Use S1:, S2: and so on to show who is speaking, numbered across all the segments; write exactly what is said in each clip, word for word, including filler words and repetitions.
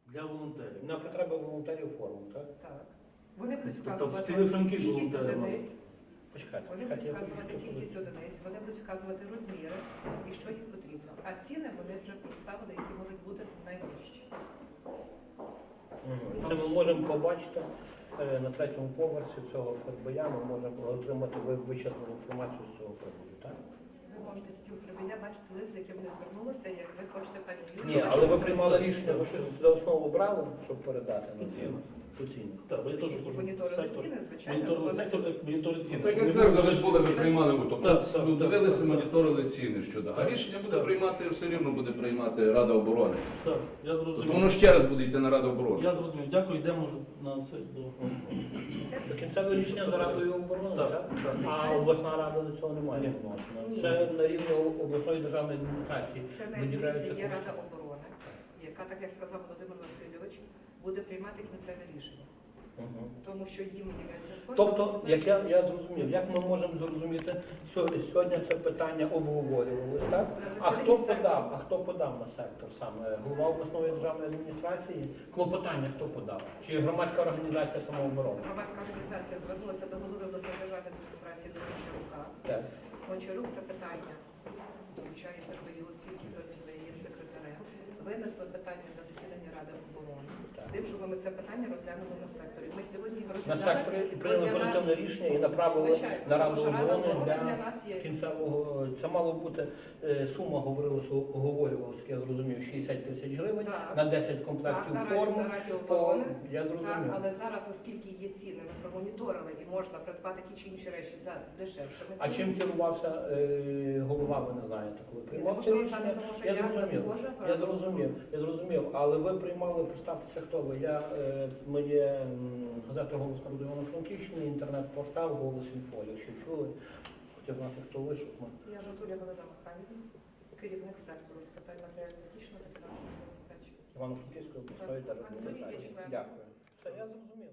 S1: Для волонтерів.
S2: На потреби волонтерів форму, так?
S3: Так. Вони будуть
S1: Тобто
S3: вказувати
S1: в цілий Франківськ
S3: кількість
S1: волонтерів у нас.
S3: одиниць,
S2: Почекайте,
S3: вони
S2: почекайте,
S3: будуть
S2: я хочу
S3: вказувати
S2: щось
S3: кількість
S2: сказати.
S3: одиниць, вони будуть вказувати розміри і що їм потрібно. А ціни вони вже представили, які можуть бути найвищі.
S2: Мгм. Це ми можемо побачити е, на третьому поверсі цього ФРБЯ, ми можемо отримати ви- вичерпну інформацію з цього приводу, так?
S3: Ви можете тільки у Фребеля бачити лист, з яким вони звернулися, як ви хочете пані Юлію.
S2: Ні, але ви приймали рішення, ви щось за основу брали, щоб передати
S1: По
S2: на
S1: цінах.
S2: По цінах.
S1: Так, бо я теж кажу,
S3: Моніторили
S1: сектор.
S3: ціни, звичайно.
S1: Моніторили
S3: бо
S1: сектор, як моніторили ціни.
S4: Так
S1: щоб
S4: як
S1: не
S4: це
S1: було
S4: вже були, ви
S1: лишніх.
S4: приймали, ви,
S1: Так,
S4: тобто
S1: так,
S4: ну,
S1: так,
S4: дивилися,
S1: так.
S4: моніторили ціни щодо. А
S1: Так,
S4: рішення буде
S1: так.
S4: приймати, все рівно буде приймати Рада оборони.
S1: Так, я
S4: Тобто
S1: зрозумів.
S4: воно ще раз буде йти на Раду оборони.
S1: Я зрозумів. Дякую, йдемо вже на це до...
S2: До кінцевого рішення за Радою оборони,
S1: Так,
S2: так?
S1: так.
S2: А обласна рада до цього не має
S1: Ні.
S2: відношення.
S3: Ні.
S2: Це на рівні обласної державної адміністрації.
S3: Це
S2: виділяються
S3: найбільше є
S2: кошти.
S3: Рада оборони, яка, так як сказав Володимир Васильович, буде приймати кінцеве рішення.
S2: Мгм.
S3: Тому що їм являється кошти.
S2: Тобто, як я, я зрозумів, як ми можемо зрозуміти, що сьогодні це питання обговорювалося, так? А хто подав? А хто подав на сектор саме? Голова обласної державної адміністрації? Клопотання хто подав? Чи громадська організація самооборони?
S3: Громадська організація звернулася до голови обласної державної адміністрації до Гончарука.
S2: Так.
S3: Гончарук це питання включає Фербею, оскільки ви є секретарем. Винесли питання на засідання Ради оборони
S2: Так.
S3: з тим, щоб ми це питання розглянули на секторі. Ми сьогодні його
S2: На
S3: розглядали.
S2: секторі і прийняли
S3: Для нас-
S2: позитивне рішення і направили
S3: Звичайно,
S2: на
S3: тому
S2: Раду
S3: що Рада
S2: оборони
S3: оборони для
S2: для
S3: нас є.
S2: кінцевого. Це мало бути е, сума, говорилося, оговорювалося, як я зрозумів, шістдесят тисяч гривень
S3: Так.
S2: на десять
S3: Так,
S2: комплектів
S3: на Раді,
S2: форми.
S3: на Раді
S2: По,
S3: оборони.
S2: я
S3: Так,
S2: зрозумів.
S3: але зараз, оскільки є ціни, ми промоніторили і можна придбати ті чи інші речі за дешевшими
S2: А чим
S3: цінами.
S2: керувався е, голова, ви не знаєте, коли
S3: Я не
S2: приймав це
S3: можу
S2: рішення?
S3: сказати, тому що
S2: Я
S3: я не
S2: зрозумів.
S3: вхожа в
S2: Я
S3: Раду
S2: зрозумів, я зрозумів. Але ви приймали, представтеся, хто ви. Я, е, ми є м, газета «Голос народу Івано-Франківщини», інтернет-портал «Голос Інфо». Якщо чули, хотів знати, хто ви, щоб ми...
S3: Я Жантуля Галина Михайлівна, керівник сектору з питань матеріально-технічного та фінансового забезпечення.
S2: Івано-Франківської обласної
S3: Так.
S2: держадміністрації.
S3: Член.
S2: Дякую. Все, я зрозумів.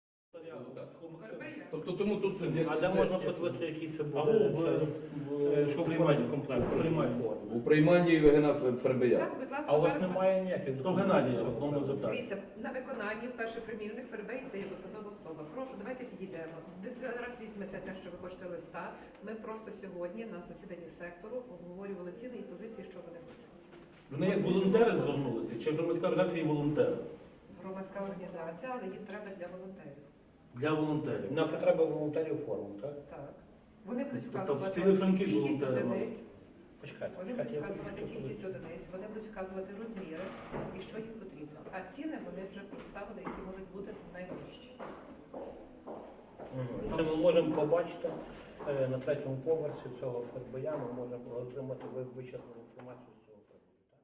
S4: Тобто тому тут це
S2: А де можна подивитися, який це
S1: Або
S2: буде?
S1: в,
S2: Це,
S1: в,
S2: що
S1: в
S2: приймати в комплект?
S1: Приймай
S4: у прийманні Євгена Фербея.
S3: Так, будь ласка,
S2: А у вас
S3: зараз
S2: немає ніяких
S1: То Геннадія, одному запитання.
S3: дивіться, на виконанні перший примірник Фербей це є посадова особа. Прошу, давайте підійдемо. Ви зараз візьмете те, що ви хочете листа. Ми просто сьогодні на засіданні сектору обговорювали ціни і позиції, що вони хочуть.
S1: Вони як волонтери звернулися, чи громадська організація і волонтери?
S3: Громадська організація, але їм треба для волонтерів.
S1: Для волонтерів.
S2: На потреби волонтерів форму, так?
S3: Так. Вони будуть
S1: Тобто в
S3: вказувати
S1: цілий Франківськ
S3: кількість
S1: волонтери у нас.
S3: одиниць,
S2: Почекайте,
S3: вони
S2: почекайте.
S3: будуть
S2: я хочу
S3: вказувати
S2: щось
S3: кількість
S2: сказати.
S3: одиниць, вони будуть вказувати розміри і що їм потрібно. А ціни вони вже представили, які можуть бути найвищі.
S2: Мгм. Це ми можемо побачити е, на третьому поверсі цього ФРБЯ, ми можемо отримати ви- вичерпну інформацію з цього приводу. Так?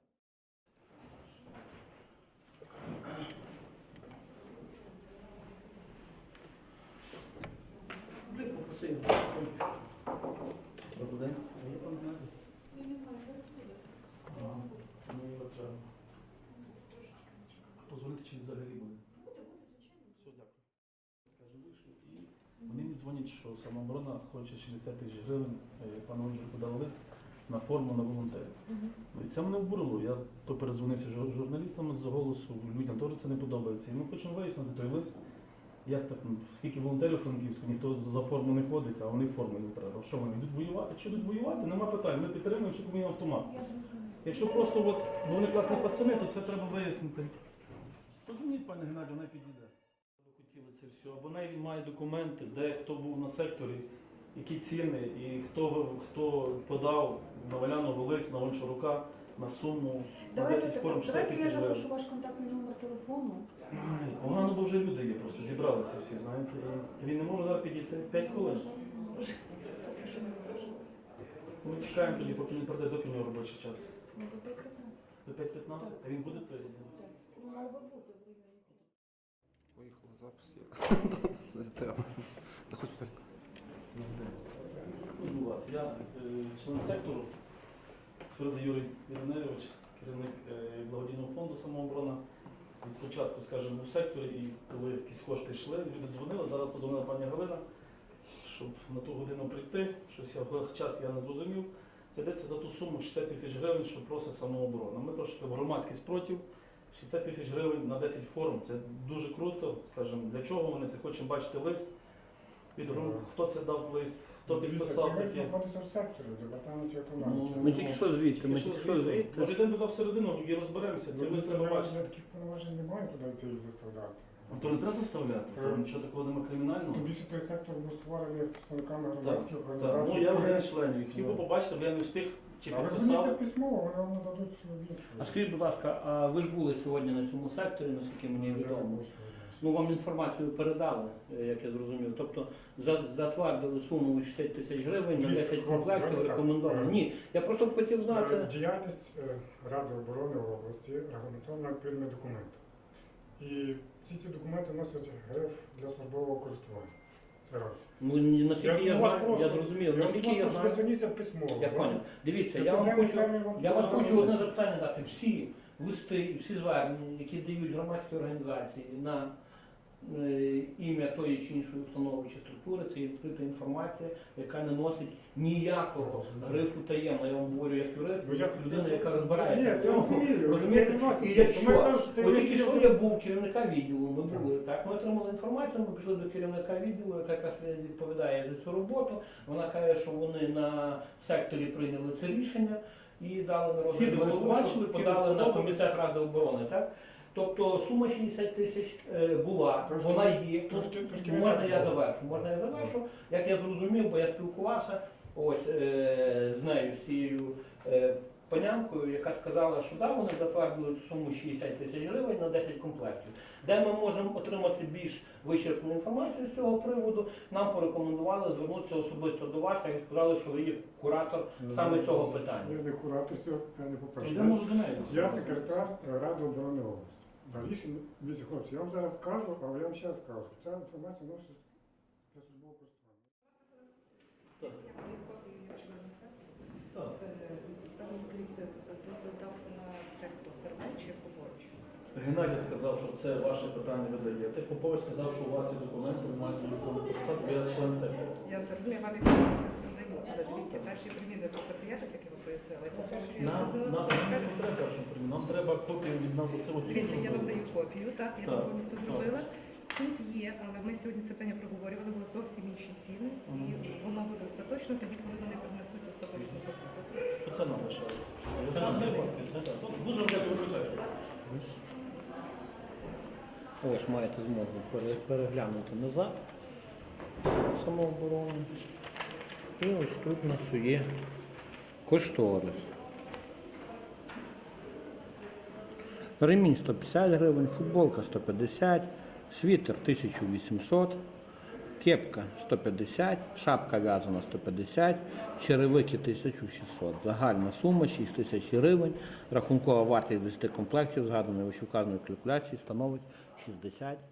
S2: Блін, попросив.
S1: Добрий день. Є пан Геннадій? Ага. Ну, його треба. Позвонити, чи взагалі буде? Все, дякую. Скажу, вийшов, і вони мені дзвонять, що самооборона хоче шістдесят тисяч гривень, е, пан Олег подав лист на форму на волонтерів. Ну, і це мене обурило. Я то перезвонився жур- журналістам з голосу, людям теж це не подобається. І ми хочемо вияснити той лист. Як так, ну, скільки волонтерів Франківську, ніхто за форму не ходить, а вони форму не треба. Що вони йдуть воювати? Якщо йдуть воювати, нема питань. Ми підтримуємо, що комін автомат. Якщо просто от, ну, вони класні пацани, то це треба вияснити. Позвоніть, пане Геннадію, вона підійде. Ви хотіли це все. Або навіть він має документи, де хто був на секторі, які ціни, і хто, хто подав на Валяного лист, на Гончарука, на суму, на
S5: Давайте,
S1: десять форм шістдесят
S5: давайте я
S1: тисяч гривень.
S5: запишу ваш контактний номер телефону.
S1: Ай, Погано, бо вже люди є, просто зібралися всі, знаєте. І він не може зараз підійти. П'ять хвилин. Ми чекаємо тоді, поки він прийде, доки в нього робочий час.
S5: Ну, до п'ять п'ятнадцять.
S1: До п'ять п'ятнадцять, а він буде то?
S5: Ну, мав би бути в районі.
S6: Поїхала запис є. Не треба. Та хоч так.
S1: Ну, вас. Я е, член сектору, Свирida Юрій Іриневич, керівник е, благодійного фонду «Самооборона». Від початку, скажімо, був в секторі, і коли якісь кошти йшли, люди дзвонили, зараз подзвонила пані Галина, щоб на ту годину прийти, щось я в час я не зрозумів. Це йдеться за ту суму шістдесят тисяч гривень, що просить самооборона. Ми трошки в громадський спротив, шістдесят тисяч гривень на десять форм це дуже круто. Скажімо, для чого вони це? Хочемо бачити лист від груп, хто це дав лист, хто підписав
S7: Це
S1: таке.
S7: знаходиться в секторі, в департаменті
S1: Ну,
S7: економіки.
S2: Ми тільки що звідти, ми
S1: Тільки
S2: тільки
S1: що
S2: що
S1: звідти.
S2: звідти.
S1: Може йдемо туди всередину і розберемося. Це
S7: Ну,
S1: лист треба
S7: я
S1: бачити.
S7: таких повноважень не маю туди йти їх заставляти.
S1: Ну, то не треба заставляти, то
S7: Так.
S1: нічого такого немає кримінального.
S7: Тим більше той сектор був створений представниками
S1: Так,
S7: громадських
S1: так.
S7: організацій.
S1: Ну я один
S7: Вони-
S1: із членів. Хотів би побачити, бо я не встиг чи
S7: А ви
S1: підписав.
S7: зверніться письмово, вони вам нададуть свою відповідь.
S2: А скажіть, будь ласка, а ви ж були сьогодні на цьому секторі, наскільки мені
S7: Я не
S2: відомо?
S7: був сьогодні.
S2: Ну, вам інформацію передали, е, як я зрозумів. Тобто за- затвердили суму у шістдесят тисяч гривень на
S7: Дивіться,
S2: десять
S7: хлопці,
S2: комплектів
S7: давайте так.
S2: рекомендовано.
S7: Е,
S2: Ні, я просто б хотів
S7: Е,
S2: знати.
S7: Діяльність е, Ради оборони області регламентована відповідними документами. І всі ці документи носять гриф для службового користування. Це раз.
S2: Ну, ні, наскільки я,
S7: вас
S2: знаю,
S7: прошу-
S2: я зрозумів,
S7: я
S2: наскільки
S7: вас
S2: я
S7: прошу,
S2: знаю.
S7: зверніться письмово.
S2: Я
S7: да?
S2: поняв. Дивіться,
S7: Я
S2: я вам
S7: туди
S2: хочу,
S7: не вам
S2: я вас
S7: покажу.
S2: хочу одне запитання дати. Всі листи і всі звернення, які дають громадські організації на е, ім'я тої чи іншої установи чи структури, це є відкрита інформація, яка не носить ніякого грифу таємно. Я вам говорю як юрист,
S7: Ну,
S2: як
S7: я-
S2: людина,
S7: я-
S2: яка розбирається.
S7: Ні,
S2: в
S7: я
S2: цьому.
S7: розумію,
S2: Розумієте?
S7: ви не
S2: І
S7: носите. Ми кажемо,
S2: якщо
S7: що це
S2: от
S7: є
S2: тільки що
S7: відділ-
S2: я був керівника відділу, ми були так. Ми отримали інформацію. Ми пішли до керівника відділу, яка якраз відповідає за цю роботу. Вона каже, що вони на секторі прийняли це рішення і дали на
S1: Ці
S2: розгляд
S1: вони
S2: голови,
S1: побачили,
S2: щоб
S1: ці
S2: подали на
S1: сподобались.
S2: комітет Ради оборони. Так? Тобто сума шістдесят тисяч е, була,
S7: Трошки-
S2: вона є.
S7: трошки- трошки не
S2: можна
S7: так
S2: я
S7: було.
S2: завершу? Можна я завершу? Як я зрозумів, бо я спілкувався ось е, з нею, з цією е, панянкою, яка сказала, що да, вони затвердили суму шістдесят тисяч гривень на десять комплектів. Де ми можемо отримати більш вичерпну інформацію з цього приводу, нам порекомендували звернутися особисто до вас, так і сказали, що ви є куратор саме цього питання.
S7: Я не куратор цього питання, по-перше.
S1: Я можу до неї.
S7: Я секретар е, Ради оборони області. Да, рішення, дивіться, хлопці, я вам зараз скажу, але я вам ще раз скажу, що ця інформація носить для службового користування.
S1: Так.
S3: Я подаю копію члена сектору.
S1: Так.
S3: Е, Там скажіть, е, дозвіл дав на це хто? Фермер чи Поборч?
S1: Геннадій сказав, що це ваше питання ви даєте. Попович сказав, що у вас є документи, ви маєте виконувати посаду, бо я член сектору.
S3: Я це розумію, вам як сектору даю. Але дивіться, перші приміри до патріотів, як я вам пояснила, і потім чи
S1: Нам, нам, нам не треба першому приміру, нам треба копію від нам це от
S3: Дивіться, я вам даю копію, так, я
S1: Так,
S3: вам повністю
S1: так.
S3: зробила. Тут є, але ми сьогодні це питання проговорювали, були зовсім інші ціни, і
S1: Мгм.
S3: воно буде остаточно тоді, коли вони принесуть остаточну покупку.
S1: Це нам лишається. Це нам не Дуже дякую, вибачайте.
S2: Ось маєте змогу пере- переглянути назад самооборону. І ось тут у нас є кошторис. Ремінь сто п'ятдесят гривень, футболка сто п'ятдесят, світер тисяча вісімсот, кепка сто п'ятдесят, шапка в'язана сто п'ятдесят, черевики тисяча шістсот. Загальна сума шість тисяч гривень. Рахункова вартість десяти комплектів, згаданої вищевказаної калькуляції, становить шістдесят